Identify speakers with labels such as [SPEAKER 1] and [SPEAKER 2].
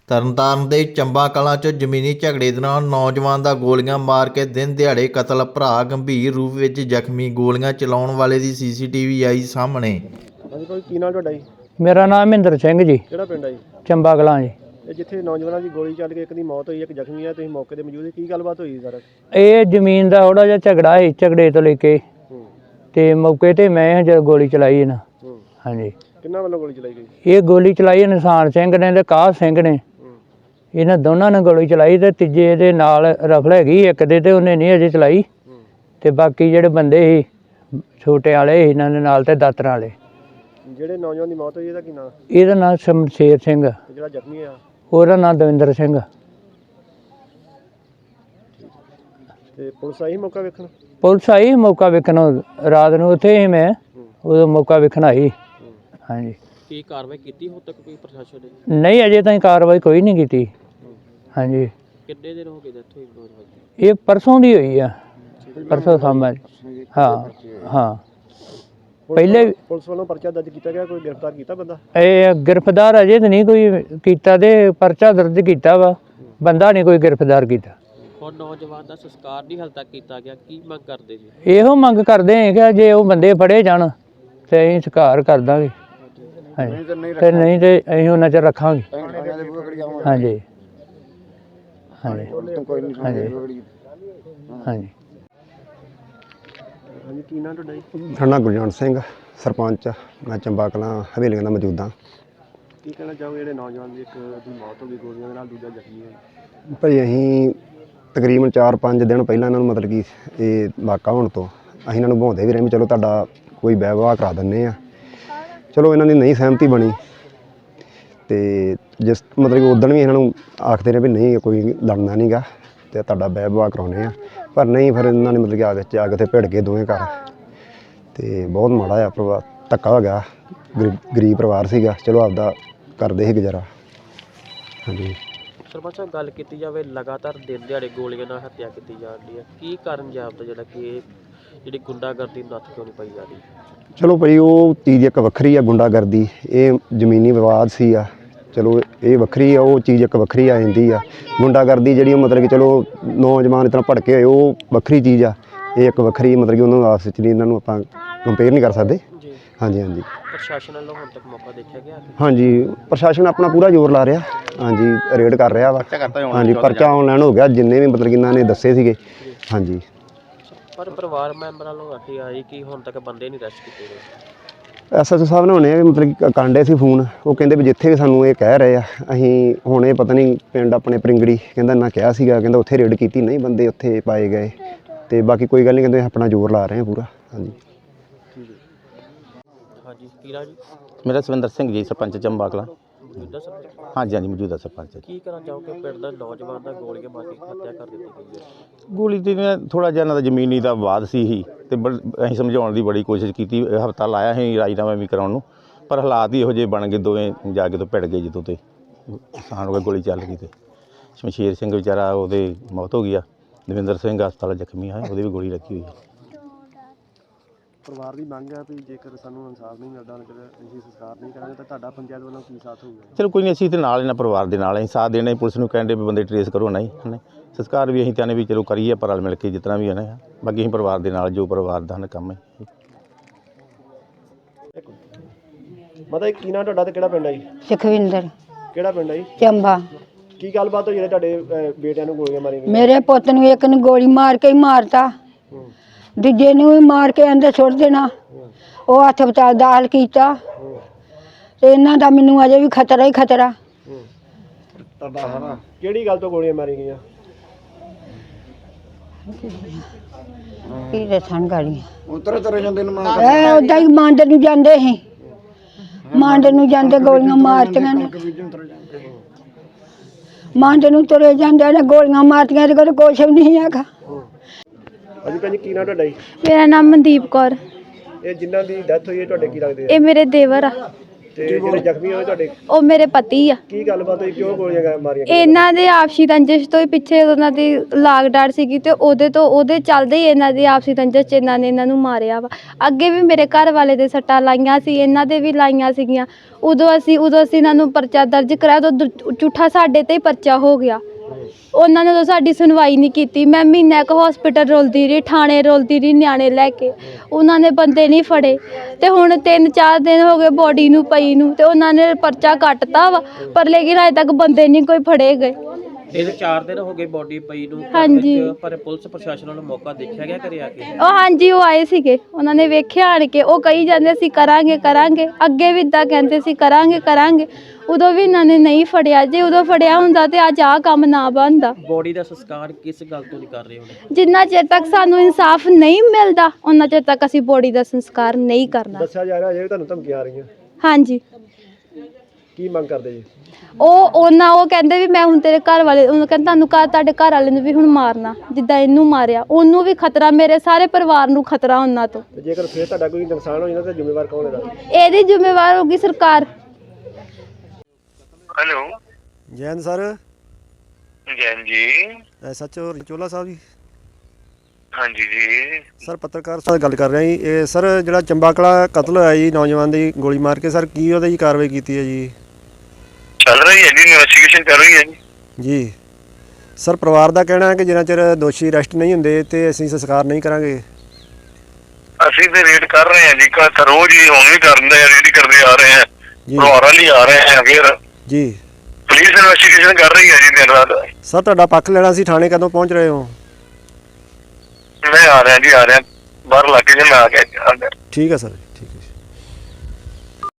[SPEAKER 1] ਤਰਨਤਾਰਨ ਦੇ ਚੰਬਾ ਕਲਾਂ 'ਚ ਜ਼ਮੀਨੀ ਝਗੜੇ ਦੌਰਾਨ ਨੌਜਵਾਨ ਦਾ ਗੋਲੀਆਂ ਮਾਰ ਕੇ ਦਿਨ ਦਿਹਾੜੇ ਕਤਲ, ਭਰਾ ਗੰਭੀਰ ਰੂਪ ਵਿੱਚ ਜ਼ਖਮੀ, ਗੋਲੀਆਂ ਚਲਾਉਣ ਵਾਲੇ ਦੀ ਸੀਸੀਟੀਵੀ ਆਈ ਸਾਹਮਣੇ।
[SPEAKER 2] ਹਾਂਜੀ ਕੋਈ ਕੀ ਨਾਮ ਤੁਹਾਡਾ ਜੀ?
[SPEAKER 3] ਮੇਰਾ ਨਾਮ ਮਹਿੰਦਰ ਸਿੰਘ ਜੀ,
[SPEAKER 2] ਕਿਹੜਾ ਪਿੰਡ ਹੈ ਜੀ?
[SPEAKER 3] ਚੰਬਾ ਕਲਾਂ ਜੀ।
[SPEAKER 2] ਇਹ ਜਿੱਥੇ ਨੌਜਵਾਨਾਂ ਦੀ ਗੋਲੀ ਚੱਲ ਕੇ ਇੱਕ ਦੀ ਮੌਤ ਹੋਈ, ਇੱਕ ਜ਼ਖਮੀ ਆ, ਤੁਸੀਂ ਮੌਕੇ ਤੇ ਮੌਜੂਦ ਸੀ, ਕੀ ਗੱਲਬਾਤ ਹੋਈ ਸਰ?
[SPEAKER 3] ਇਹ ਜ਼ਮੀਨ ਦਾ ਥੋੜਾ ਜਿਹਾ ਝਗੜਾ ਸੀ, ਝਗੜੇ ਤੋਂ ਲੈ ਕੇ ਤੇ ਮੌਕੇ ਤੇ ਮੈਂ ਜਦ ਗੋਲੀ ਚਲਾਈ ਨਾ। ਹਾਂਜੀ।
[SPEAKER 2] ਕਿੰਨਾ ਵੱਲੋਂ ਗੋਲੀ ਚਲਾਈ ਗਈ?
[SPEAKER 3] ਇਹ ਗੋਲੀ ਚਲਾਈ ਨਿਸ਼ਾਨ ਸਿੰਘ ਨੇ ਤੇ ਕਾਹ ਸਿੰਘ ਨੇ, ਇਹਨਾਂ ਦੋਨਾਂ ਨੇ ਗੋਲੀ ਚਲਾਈ ਤੇ ਤੀਜੇ ਦੇ ਨਾਲ ਰਫਲ ਹੈਗੀ ਇੱਕ ਦੇ, ਤੇ ਉਹਨੇ ਨਹੀਂ ਅਜੇ ਚਲਾਈ ਤੇ ਬਾਕੀ ਜਿਹੜੇ ਬੰਦੇ ਸੀ ਛੋਟੇ ਵਾਲੇ ਇਹਨਾਂ ਦੇ ਨਾਲ ਤੇ ਦਾਤਰਾਂ ਵਾਲੇ।
[SPEAKER 2] ਜਿਹੜੇ ਨੌਜਵਾਨ ਦੀ ਮੌਤ ਹੋਈ ਇਹਦਾ ਕੀ ਨਾਮ?
[SPEAKER 3] ਇਹਦਾ ਨਾਮ ਸ਼ਮਸ਼ੇਰ ਸਿੰਘ,
[SPEAKER 2] ਜਿਹੜਾ ਜ਼ਖਮੀ ਆ
[SPEAKER 3] ਉਹਦਾ ਨਾਮ ਦਵਿੰਦਰ ਸਿੰਘ।
[SPEAKER 2] ਤੇ ਪੁਲਿਸ ਆਈ ਮੌਕਾ ਵੇਖਣ?
[SPEAKER 3] ਪੁਲਿਸ ਆਈ ਮੌਕਾ ਵੇਖਣ, ਰਾਤ ਨੂੰ ਉੱਥੇ ਸੀ ਮੈਂ, ਉਦੋਂ ਮੌਕਾ ਵੇਖਣ ਆਈ। ਹਾਂਜੀ।
[SPEAKER 2] ਕੀ ਕਾਰਵਾਈ ਕੀਤੀ ਹੁਣ ਤੱਕ ਕੋਈ ਪ੍ਰਸ਼ਾਸਨ ਨੇ?
[SPEAKER 3] ਨਹੀਂ ਅਜੇ ਤਾਈਂ ਕਾਰਵਾਈ ਕੋਈ ਨਹੀਂ ਕੀਤੀ। ਹਾਂਜੀ।
[SPEAKER 2] ਕਿੰਨੇ ਦਿਨ ਹੋ ਗਏ ਡੈਥ ਹੋਈ?
[SPEAKER 3] ਇਹ ਪਰਸੋਂ ਦੀ ਹੋਈ ਆ, ਪਰਸੋਂ ਸਾਹਮਣੇ। ਹਾਂ ਹਾਂ। ਪਹਿਲੇ
[SPEAKER 2] ਪੁਲਿਸ ਵੱਲੋਂ ਪਰਚਾ ਦਰਜ ਕੀਤਾ ਗਿਆ, ਕੋਈ ਗ੍ਰਿਫਤਾਰ ਕੀਤਾ ਬੰਦਾ?
[SPEAKER 3] ਇਹ ਗ੍ਰਿਫਤਾਰ ਅਜੇ ਤਾਂ ਨਹੀਂ ਕੋਈ ਕੀਤਾ, ਤੇ ਪਰਚਾ ਦਰਜ ਕੀਤਾ ਵਾ, ਬੰਦਾ ਨਹੀਂ ਕੋਈ ਗ੍ਰਿਫਤਾਰ ਕੀਤਾ।
[SPEAKER 2] ਹੁਣ ਨੌਜਵਾਨ ਦਾ ਸੰਸਕਾਰ ਨਹੀਂ ਹਾਲੇ ਤੱਕ ਕੀਤਾ ਗਿਆ, ਕੀ ਮੰਗ ਕਰਦੇ ਜੀ?
[SPEAKER 3] ਇਹੋ ਮੰਗ ਕਰਦੇ ਹਾਂ ਕਿ ਜੇ ਉਹ ਬੰਦੇ ਫੜੇ ਜਾਣ ਤੇ ਅਸੀਂ ਸੰਸਕਾਰ ਕਰ ਦਾਂਗੇ। ਹਾਂਜੀ। ਤੇ ਨਹੀਂ ਤੇ ਅਸੀਂ ਉਹਨਾਂ 'ਚ ਰੱਖਾਂਗੇ। ਹਾਂਜੀ ਹਾਂਜੀ ਹਾਂਜੀ ਹਾਂਜੀ।
[SPEAKER 2] ਹਾਂਜੀ ਕੀ ਨਾਮ ਤੁਹਾਡਾ ਜੀ?
[SPEAKER 4] ਮੇਰਾ ਨਾਮ ਗੁਰਜੰਟ ਸਿੰਘ, ਸਰਪੰਚ। ਮੈਂ ਚੰਬਾ ਕਲਾਂ ਹਵੇਲੀਆਂ ਦਾ ਮੌਜੂਦ ਹਾਂ।
[SPEAKER 2] ਕੀ ਕਹਿਣਾ ਚਾਹੋਗੇ ਜਿਹੜੇ ਨੌਜਵਾਨ ਦੀ ਇੱਕ ਦੀ ਮੌਤ ਹੋ ਗਈ ਗੋਲੀਆਂ ਦੇ ਨਾਲ, ਦੂਜਾ ਜ਼ਖਮੀ ਹੋਇਆ?
[SPEAKER 4] ਭਾਈ ਅਸੀਂ ਤਕਰੀਬਨ 4-5 ਦਿਨ ਪਹਿਲਾਂ ਇਹਨਾਂ ਨੂੰ ਮਤਲਬ ਕਿ ਇਹ ਵਾਕਾ ਹੋਣ ਤੋਂ ਅਸੀਂ ਇਹਨਾਂ ਨੂੰ ਬਹਾਉਂਦੇ ਵੀ ਰਹੇ ਵੀ ਚਲੋ ਤੁਹਾਡਾ ਕੋਈ ਵਿਆਹ ਕਰਾ ਦਿੰਦੇ ਆ। ਚਲੋ ਇਹਨਾਂ ਦੀ ਨਹੀਂ ਸਹਿਮਤੀ ਬਣੀ ਤੇ ਜਿਸ ਮਤਲਬ ਕਿ ਉਦਣ ਵੀ ਇਹਨਾਂ ਨੂੰ ਆਖਦੇ ਰਹੇ ਵੀ ਨਹੀਂ ਕੋਈ ਲੜਨਾ ਨਹੀਂ ਗਾ ਤੇ ਤੁਹਾਡਾ ਵਿਆਹ ਕਰਾਉਣੇ ਆ, ਪਰ ਨਹੀਂ, ਫਿਰ ਇਹਨਾਂ ਨੇ ਮਤਲਬ ਕਿ ਵਿੱਚ ਆ ਕੇ ਉੱਥੇ ਭਿੜ ਗਏ ਦੋਵੇਂ ਘਰ ਤੇ ਬਹੁਤ ਮਾੜਾ ਆ ਪਰਿਵਾਰ, ਧੱਕਾ ਹੋ ਗਿਆ। ਗਰੀਬ ਪਰਿਵਾਰ ਸੀਗਾ, ਚਲੋ ਆਪਦਾ ਕਰਦੇ ਸੀ ਗੁਜ਼ਾਰਾ। ਹਾਂਜੀ।
[SPEAKER 2] ਸਰਪੰਚ ਸਾਹਿਬ ਗੱਲ ਕੀਤੀ ਜਾਵੇ, ਲਗਾਤਾਰ ਦਿਨ ਦਿਹਾੜੇ ਗੋਲੀਆਂ ਨਾਲ ਹੱਤਿਆ ਕੀਤੀ ਜਾ ਰਹੀ ਹੈ, ਕੀ ਕਾਰਨ ਜਾਪਦਾ ਜਿਹੜਾ ਕਿ ਜਿਹੜੀ ਗੁੰਡਾਗਰਦੀ ਨੱਥ ਕਿਉਂ ਨਹੀਂ ਪਾਈ ਜਾ ਰਹੀ?
[SPEAKER 4] ਚਲੋ ਭਾਈ ਉਹ ਚੀਜ਼ ਇੱਕ ਵੱਖਰੀ ਆ, ਗੁੰਡਾਗਰਦੀ ਇਹ ਜ਼ਮੀਨੀ ਵਿਵਾਦ ਸੀ ਆ, ਚਲੋ ਇਹ ਵੱਖਰੀ ਆ, ਉਹ ਚੀਜ਼ ਇੱਕ ਵੱਖਰੀ ਆ ਜਾਂਦੀ ਆ। ਗੁੰਡਾਗਰਦੀ ਜਿਹੜੀ ਮਤਲਬ ਕਿ ਚਲੋ ਨੌਜਵਾਨ ਇਸ ਤਰ੍ਹਾਂ ਭੜਕੇ ਹੋਏ, ਉਹ ਵੱਖਰੀ ਚੀਜ਼ ਆ, ਇਹ ਇੱਕ ਵੱਖਰੀ ਮਤਲਬ ਕਿ ਉਹਨੂੰ ਆਪਸ ਵਿੱਚ ਨਹੀਂ, ਇਹਨਾਂ ਨੂੰ ਆਪਾਂ ਕੰਪੇਅਰ ਨਹੀਂ ਕਰ ਸਕਦੇ। ਹਾਂਜੀ ਹਾਂਜੀ।
[SPEAKER 2] ਪ੍ਰਸ਼ਾਸਨ ਵੱਲੋਂ ਹੁਣ ਤੱਕ ਮੌਕਾ ਦੇਖਿਆ ਗਿਆ?
[SPEAKER 4] ਹਾਂਜੀ, ਪ੍ਰਸ਼ਾਸਨ ਆਪਣਾ ਪੂਰਾ ਜ਼ੋਰ ਲਾ ਰਿਹਾ। ਹਾਂਜੀ, ਰੇਡ ਕਰ ਰਿਹਾ ਵਾ। ਹਾਂਜੀ, ਪਰਚਾ ਆਨਲਾਈਨ ਹੋ ਗਿਆ ਜਿੰਨੇ ਵੀ ਮਤਲਬ ਕਿ ਇਹਨਾਂ ਨੇ ਦੱਸੇ ਸੀਗੇ। ਹਾਂਜੀ।
[SPEAKER 2] ਪਰ ਪਰਿਵਾਰ ਮੈਂਬਰਾਂ ਵੱਲੋਂ ਆਖੀ ਆਈ ਕਿ ਹੁਣ ਤੱਕ ਬੰਦੇ ਨਹੀਂ ਅਰੈਸਟ ਕੀਤੇ ਗਏ।
[SPEAKER 4] ਐਸਐਚਓ ਸਾਹਿਬ ਨੇ ਹੁਣੇ ਮਤਲਬ ਕਿ ਕਾਂਡੇ ਸੀ ਫੋਨ, ਉਹ ਕਹਿੰਦੇ ਵੀ ਜਿੱਥੇ ਵੀ ਸਾਨੂੰ ਇਹ ਕਹਿ ਰਹੇ ਆ ਅਸੀਂ ਹੁਣ ਇਹ ਪਤਾ ਨਹੀਂ ਪਿੰਡ ਆਪਣੇ ਪਰਿੰਗੜੀ ਕਹਿੰਦਾ ਨਾ ਕਿਹਾ ਸੀਗਾ, ਕਹਿੰਦਾ ਉੱਥੇ ਰੇਡ ਕੀਤੀ, ਨਹੀਂ ਬੰਦੇ ਉੱਥੇ ਪਾਏ ਗਏ ਤੇ ਬਾਕੀ ਕੋਈ ਗੱਲ ਨਹੀਂ, ਕਹਿੰਦੇ ਆਪਣਾ ਜ਼ੋਰ ਲਾ ਰਹੇ ਆ ਪੂਰਾ। ਹਾਂਜੀ।
[SPEAKER 2] ਹਾਂਜੀ ਕੀ ਰਾਜ?
[SPEAKER 5] ਮੇਰਾ ਸਵਿੰਦਰ ਸਿੰਘ ਜੀ, ਸਰਪੰਚ ਚੰਬਾ ਕਲਾਂ। ਹਾਂਜੀ ਹਾਂਜੀ, ਮੌਜੂਦਾ ਸਰਪੰਚ।
[SPEAKER 2] ਕੀ ਕਰਨਾ ਚਾਹੋਗੇ ਪਿੰਡ ਦਾ ਨੌਜਵਾਨ ਦਾ ਗੋਲੀਆਂ ਮਾਰ ਕੇ ਹੱਤਿਆ ਕਰ ਦਿੱਤੀ ਗਈ ਹੈ?
[SPEAKER 5] ਗੋਲੀ ਤੇ ਥੋੜ੍ਹਾ ਜਿਹਾ ਇਹਨਾਂ ਦਾ ਜ਼ਮੀਨੀ ਦਾ ਵਾਦ ਸੀ ਤੇ ਅਸੀਂ ਸਮਝਾਉਣ ਦੀ ਬੜੀ ਕੋਸ਼ਿਸ਼ ਕੀਤੀ, ਹਫ਼ਤਾ ਲਾਇਆ ਸੀ ਰਾਜੀਨਾਮਾ ਵੀ ਕਰਾਉਣ ਨੂੰ, ਪਰ ਹਾਲਾਤ ਹੀ ਇਹੋ ਜਿਹੇ ਬਣ ਗਏ, ਦੋਵੇਂ ਜਾ ਕੇ ਤੋਂ ਭਿੜ ਗਏ ਜਦੋਂ ਤੇ ਨੁਕਸਾਨ ਹੋ ਗਿਆ, ਗੋਲੀ ਚੱਲ ਗਈ ਤੇ ਸ਼ਮਸ਼ੇਰ ਸਿੰਘ ਵਿਚਾਰਾ ਉਹਦੇ ਮੌਤ ਹੋ ਗਈ ਆ, ਦਵਿੰਦਰ ਸਿੰਘ ਹਸਪਤਾਲ ਜ਼ਖਮੀ ਆ, ਉਹਦੇ ਵੀ ਗੋਲੀ ਲੱਗੀ ਹੋਈ ਹੈ।
[SPEAKER 2] ਪਰਿਵਾਰ ਦੀ ਮੰਗ ਹੈ ਵੀ ਜੇਕਰ ਸਾਨੂੰ ਇਨਸਾਫ ਨਹੀਂ ਮਿਲਦਾ, ਅਸੀਂ ਸੰਸਕਾਰ ਨਹੀਂ ਕਰਾਂਗੇ ਤਾਂ ਤੁਹਾਡਾ ਪੰਚਾਇਤ ਵੱਲੋਂ ਕੀ ਸਾਥ ਹੋਊਗਾ?
[SPEAKER 5] ਚਲੋ ਕੋਈ ਨਹੀਂ, ਅਸੀਂ ਤੇ ਨਾਲ ਇਹਨਾਂ ਪਰਿਵਾਰ ਦੇ ਨਾਲ ਅਸੀਂ ਸਾਥ ਦੇਣਾ। ਪੁਲਿਸ ਨੂੰ ਕਹਿੰਦੇ ਵੀ ਬੰਦੇ ਟਰੇਸ ਕਰੋ, ਨਹੀਂ ਸੰਸਕਾਰ ਵੀ ਅਸੀਂ ਚਾਹੁੰਦੇ ਵੀ ਚਲੋ ਕਰੀਏ, ਪਰ ਰਲ ਮਿਲ ਕੇ ਜਿਤਨਾ ਵੀ ਹੈ ਨਾ, ਬਾਕੀ ਅਸੀਂ ਪਰਿਵਾਰ ਦੇ ਨਾਲ ਜੋ ਪਰਿਵਾਰ ਦਾ ਕੰਮ ਹੈ।
[SPEAKER 2] ਮਤਲਬ ਕੀ ਨਾਮ ਤੁਹਾਡਾ ਤੇ ਕਿਹੜਾ ਪਿੰਡ ਹੈ ਜੀ?
[SPEAKER 6] ਸੁਖਵਿੰਦਰ।
[SPEAKER 2] ਕਿਹੜਾ ਪਿੰਡ ਹੈ ਜੀ?
[SPEAKER 6] ਚੰਬਾ।
[SPEAKER 2] ਕੀ ਗੱਲਬਾਤ ਹੋਈ ਜਿਹੜੇ ਤੁਹਾਡੇ ਬੇਟਿਆਂ ਨੂੰ ਗੋਲੀਆਂ ਮਾਰੀਆਂ ਗਈਆਂ?
[SPEAKER 6] ਮੇਰੇ ਪੁੱਤ ਨੂੰ ਇੱਕ ਨੂੰ ਗੋਲੀ ਮਾਰ ਕੇ ਹੀ ਮਾਰਤਾ, ਦੂਜੇ ਨੂੰ ਵੀ ਮਾਰ ਕੇ ਅੰਦਰ ਸੁੱਟ ਦੇਣਾ। ਉਹ ਹਸਪਤਾਲ ਦਾਖਲ ਕੀਤਾ ਤੇ ਇਹਨਾਂ ਦਾ ਮੈਨੂੰ ਅਜੇ ਵੀ ਖਤਰਾ ਹੀ ਖਤਰਾ।
[SPEAKER 2] ਕਿਹੜੀ ਗੱਲ ਤੋਂ ਗੋਲੀਆਂ ਮਾਰੀਆਂ ਗਈਆਂ?
[SPEAKER 6] ਕੀ ਦੱਸਣ ਗਾਲੀਆਂ ਉਦਾਂ ਹੀ ਮੰਡ ਨੂੰ ਜਾਂਦੇ ਸੀ, ਮੰਡ ਨੂੰ ਜਾਂਦੇ ਗੋਲੀਆਂ ਮਾਰਤੀਆਂ ਨੇ, ਮੰਡ ਨੂੰ ਤੁਰੇ ਜਾਂਦੇ ਨੇ, ਗੋਲੀਆਂ ਮਾਰਤੀਆਂ ਤੇ ਕੋਈ ਕੁਛ ਵੀ ਨਹੀਂ ਹੈਗਾ।
[SPEAKER 2] ਹਾਂਜੀ ਭੈਣ ਜੀ ਕੀ ਨਾਮ ਤੁਹਾਡਾ ਜੀ?
[SPEAKER 7] ਮੇਰਾ ਨਾਮ ਮਨਦੀਪ ਕੌਰ।
[SPEAKER 2] ਇਹ ਜਿਨ੍ਹਾਂ ਦੀ ਡੈਥ ਹੋਈ ਹੈ ਤੁਹਾਡੇ ਕੀ ਲੱਗਦੇ ਆ?
[SPEAKER 7] ਇਹ ਮੇਰੇ ਦੇਵਰ ਆ। ਤੇ ਜਿਹੜੇ ਜ਼ਖਮੀ ਹੋਏ ਤੁਹਾਡੇ
[SPEAKER 8] ਉਹ ਮੇਰੇ ਪਤੀ ਆ।
[SPEAKER 7] ਕੀ ਗੱਲਬਾਤ ਹੋਈ, ਕਿਉਂ ਗੋਲੀਆਂ ਮਾਰੀਆਂ?
[SPEAKER 8] ਇਹਨਾਂ ਦੇ ਆਪਸੀ ਰੰਜਿਸ਼ ਤੋਂ ਹੀ ਪਿੱਛੇ ਉਹਨਾਂ ਦੀ ਲਾਗ ਡਾਟ ਸੀਗੀ ਤੇ ਉਹਦੇ ਚੱਲਦੇ ਹੀ ਇਹਨਾਂ ਦੀ ਆਪਸੀ ਰੰਜਿਸ਼ 'ਚ ਇਹਨਾਂ ਨੇ ਇਹਨਾਂ ਨੂੰ ਮਾਰਿਆ ਵਾ। ਅੱਗੇ ਵੀ ਮੇਰੇ ਘਰ ਵਾਲੇ ਦੇ ਸੱਟਾਂ ਲਾਈਆਂ ਸੀ, ਇਹਨਾਂ ਦੇ ਵੀ ਲਾਈਆਂ ਸੀਗੀਆਂ। ਉਦੋਂ ਅਸੀਂ ਇਹਨਾਂ ਨੂੰ ਪਰਚਾ ਦਰਜ ਕਰਾਇਆ ਤਾਂ ਝੂਠਾ ਸਾਡੇ ਤੇ ਹੀ ਪਰਚਾ ਹੋ ਗਿਆ। ਉਹਨਾਂ ਨੇ ਤਾਂ ਸਾਡੀ ਸੁਣਵਾਈ ਨਹੀਂ ਕੀਤੀ। ਮੈਂ ਮਹੀਨਾ ਕੁ ਹਸਪੀਟਲ ਰੁਲਦੀ ਰਹੀ, ਥਾਣੇ ਰੁਲਦੀ ਰਹੀ ਨਿਆਣੇ ਲੈ ਕੇ, ਉਹਨਾਂ ਨੇ ਬੰਦੇ ਨਹੀਂ ਫੜੇ। ਤੇ ਹੁਣ 3-4 ਦਿਨ ਹੋ ਗਏ ਬੋਡੀ ਨੂੰ ਪਈ ਨੂੰ ਤੇ ਉਹਨਾਂ ਨੇ ਪਰਚਾ ਕੱਟਤਾ ਵਾ, ਪਰ ਲੇਕਿਨ ਅਜੇ ਤੱਕ ਬੰਦੇ ਨਹੀਂ ਕੋਈ ਫੜੇ ਗਏ।
[SPEAKER 2] 3-4 ਦਿਨ ਹੋ ਗਏ ਬੋਡੀ ਪਈ ਨੂੰ ਘਰ
[SPEAKER 8] ਹਾਂਜੀ।
[SPEAKER 2] ਵਿੱਚ, ਪਰ ਪੁਲਿਸ ਪ੍ਰਸ਼ਾਸਨ ਵੱਲੋਂ ਮੌਕਾ ਦੇਖਿਆ ਗਿਆ ਘਰੇ ਆ ਕੇ?
[SPEAKER 8] ਹਾਂਜੀ, ਉਹ ਆਏ ਸੀਗੇ, ਉਹਨਾਂ ਨੇ ਵੇਖਿਆ ਆਣ ਕੇ। ਉਹ ਕਹੀ ਜਾਂਦੇ ਸੀ ਕਰਾਂਗੇ ਅੱਗੇ ਵੀ ਇੱਦਾਂ ਕਹਿੰਦੇ ਸੀ ਕਰਾਂਗੇ। ਉਦੋਂ ਵੀ ਇਹਨਾਂ ਨੇ ਨਹੀਂ ਫੜਿਆ। ਜੇ ਉਦੋਂ ਫੜਿਆ ਹੁੰਦਾ ਤੇ ਅੱਜ ਆਹ ਕੰਮ ਨਾ ਬਣਦਾ।
[SPEAKER 2] ਬੋਡੀ ਦਾ ਸੰਸਕਾਰ ਕਿਸ ਗੱਲ ਤੋਂ ਨਹੀਂ ਕਰ ਰਹੇ ਹੁਣ?
[SPEAKER 8] ਜਿੰਨਾ ਚਿਰ ਤੱਕ ਸਾਨੂੰ ਇਨਸਾਫ ਨਹੀਂ ਮਿਲਦਾ ਉਹਨਾਂ ਚਿਰ ਤੱਕ ਅਸੀਂ ਬੋਡੀ ਦਾ ਸੰਸਕਾਰ ਨਹੀਂ ਕਰਨਾ।
[SPEAKER 7] ਦੱਸਿਆ ਜਾ ਰਿਹਾ ਜੇ ਤੁਹਾਨੂੰ ਧਮਕੀਆਂ ਆ ਰਹੀਆਂ,
[SPEAKER 8] ਹਾਂਜੀ।
[SPEAKER 7] ਕੀ ਮੰਗ ਕਰਦੇ ਜੀ?
[SPEAKER 8] ਉਹ ਕਹਿੰਦੇ ਵੀ ਮੈਂ ਹੁਣ ਤੇਰੇ ਘਰ ਵਾਲੇ, ਉਹਨੂੰ ਕਹਿੰਦਾ ਤੁਹਾਡੇ ਘਰ ਵਾਲੇ ਨੂੰ ਵੀ ਹੁਣ ਮਾਰਨਾ, ਜਿੱਦਾਂ ਇਹਨੂੰ ਮਾਰਿਆ ਉਹਨੂੰ ਵੀ ਖਤਰਾ, ਮੇਰੇ ਸਾਰੇ ਪਰਿਵਾਰ ਨੂੰ ਖਤਰਾ ਉਹਨਾਂ ਤੋਂ।
[SPEAKER 7] ਤੇ ਜੇਕਰ ਫਿਰ ਤੁਹਾਡਾ ਕੋਈ ਨੁਕਸਾਨ ਹੋ ਜਾਂਦਾ ਤਾਂ ਜ਼ਿੰਮੇਵਾਰ ਕੌਣ ਇਹਦਾ?
[SPEAKER 8] ਇਹਦੀ ਜ਼ਿੰਮੇਵਾਰ ਹੋਗੀ ਸਰਕਾਰ।
[SPEAKER 9] Hello
[SPEAKER 7] Jain sir,
[SPEAKER 9] Jain ji.
[SPEAKER 7] SHO Chohla Sahib ji.
[SPEAKER 9] हाँ जी जी।
[SPEAKER 7] ਸਰ ਪੱਤਰਕਾਰ ਸਾਹਿਬ ਗੱਲ ਕਰ ਰਿਹਾ ਜੀ। ਇਹ ਸਰ ਜਿਹੜਾ ਚੰਬਾ ਕਲਾ ਕਤਲ ਹੋਇਆ ਜੀ ਨੌਜਵਾਨ ਦੀ ਗੋਲੀ ਮਾਰ ਕੇ, ਸਰ ਕੀ ਉਹਦੇ ਜੀ ਕਾਰਵਾਈ ਕੀਤੀ ਹੈ ਜੀ?
[SPEAKER 9] चल रही है जी, इन्वेस्टिगेशन कर रही है जी।
[SPEAKER 7] ਜੀ ਸਰ, ਪਰਿਵਾਰ ਦਾ ਕਹਿਣਾ ਹੈ ਕਿ ਜਿੰਨਾ ਚਿਰ ਦੋਸ਼ੀ ਅਰੈਸਟ ਨਹੀਂ ਹੁੰਦੇ ਤੇ ਅਸੀਂ ਸੰਸਕਾਰ ਨਹੀਂ ਕਰਾਂਗੇ।
[SPEAKER 9] ਅਸੀਂ ਤੇ ਰੇਡ ਕਰ ਰਹੇ हैं जी, का रोज ही ਹੁਣ ਵੀ ਕਰਦੇ ਆ, ਰੇਡ ਕਰਦੇ ਆ ਰਹੇ हैं,
[SPEAKER 7] ਜੀ
[SPEAKER 9] ਪਰਿਵਾਰਾਂ ਲਈ ਆ ਰਹੇ हैं। ਫਿਰ
[SPEAKER 7] ਜੀ
[SPEAKER 9] ਪੁਲਿਸ ਇਨਵੈਸਟੀਗੇਸ਼ਨ ਕਰ ਰਹੀ ਹੈ ਜੀ ਦਿਨ ਰਾਤ।
[SPEAKER 7] ਸਰ, ਤੁਹਾਡਾ ਪੱਖ ਲੈਣਾ ਸੀ, ਥਾਣੇ ਕਦੋਂ ਪਹੁੰਚ ਰਹੇ ਹੋ?
[SPEAKER 9] ਮੈਂ ਆ ਰਿਹਾ ਜੀ, ਆ ਰਿਹਾ ਬਾਹਰ ਇਲਾਕੇ 'ਚ, ਮੈਂ ਆ ਗਿਆ।
[SPEAKER 7] ਠੀਕ ਹੈ ਸਰ।